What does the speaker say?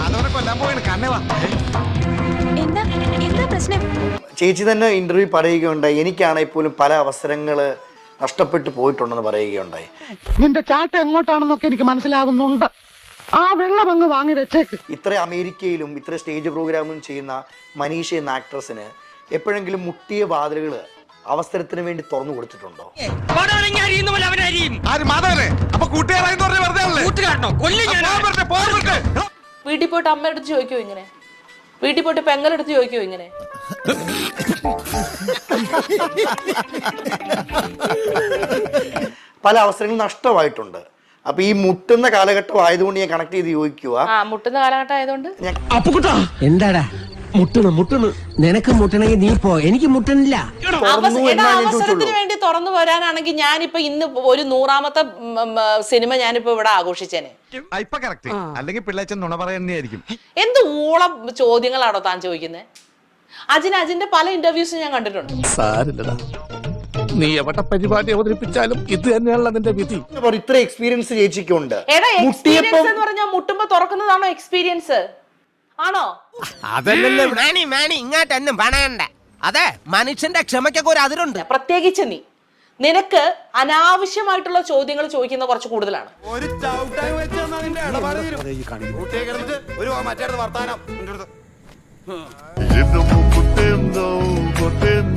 എന്താ പ്രശ്നം? ചേച്ചി തന്നെ ഇന്റർവ്യൂ പറയുകയുണ്ടായി, എനിക്കാണെങ്കിൽ പോലും പല അവസരങ്ങൾ നഷ്ടപ്പെട്ടു പോയിട്ടുണ്ടെന്ന് പറയുകയുണ്ടായി. നിന്റെ ചാട്ട എങ്ങോട്ടാണെന്നൊക്കെ എനിക്ക് മനസ്സിലാകുന്നുണ്ട്. ആ വെള്ളം അങ്ങ് വാങ്ങി വെച്ചേക്ക്. ഇത്ര അമേരിക്കയിലും ഇത്ര സ്റ്റേജ് പ്രോഗ്രാമും ചെയ്യുന്ന മനീഷ എന്ന ആക്ട്രസിന് എപ്പോഴെങ്കിലും മുട്ടിയ വാതിലുകൾ അവസരത്തിന് വേണ്ടി തുറന്നു കൊടുത്തിട്ടുണ്ടോ? വീട്ടിൽ പോയിട്ട് അമ്മയുടെ അടുത്ത് ചോദിക്കോ ഇങ്ങനെ? വീട്ടിൽ പോയിട്ട് പെങ്ങളെടുത്ത് ചോദിക്കോ ഇങ്ങനെ? പല അവസരങ്ങളും നഷ്ടമായിട്ടുണ്ട്. അപ്പൊ ഈ മുട്ടുന്ന കാലഘട്ടം ആയതുകൊണ്ട് ഞാൻ കണക്ട് ചെയ്ത് ചോദിക്കുക. മുട്ടുന്ന കാലഘട്ടം ആയതുകൊണ്ട് എന്താടാ മുട്ടുന്നു നിനക്ക് മുട്ടണമെങ്കിൽ നീ പോ, എനിക്ക് മുട്ടണില്ല. അവസരത്തിന് വേണ്ടി തുറന്നു വരാനാണെങ്കിൽ ഞാനിപ്പോ ഇന്ന് ഒരു 100ാമത്തെ സിനിമ ഞാനിപ്പോ ഇവിടെ ആഘോഷിച്ചേനെ. അല്ലെങ്കിൽ പിള്ളേച്ചൻ നുണ പറയുന്നതായിരിക്കും. എന്ത് ഊളം ചോദ്യങ്ങളാണോ താൻ ചോദിക്കുന്നത്? അജിന്റെ പല ഇന്റർവ്യൂസും ഞാൻ കണ്ടിട്ടുണ്ട്. നീ എവിടെ പരിപാടി അവതരിപ്പിച്ചാലും ഇത് തന്നെയാണല്ലോ നിന്റെ വിധി. ഇത്ര എക്സ്പീരിയൻസ് ചേച്ചിക്കുണ്ട്. എക്സ്പീരിയൻസ് എന്ന് പറഞ്ഞാൽ മുട്ടുമ്പോ തുറക്കുന്നതാണോ എക്സ്പീരിയൻസ്? ആണോ? അതല്ലല്ലോ ഇങ്ങോട്ടൊന്നും പണയണ്ട. അതെ, മനുഷ്യന്റെ ക്ഷമയ്ക്കൊക്കെ ഒരു അതിരുണ്ട്. പ്രത്യേകിച്ച് നിനക്ക് അനാവശ്യമായിട്ടുള്ള ചോദ്യങ്ങൾ ചോദിക്കുന്ന കുറച്ച് കൂടുതലാണ്. ഒരു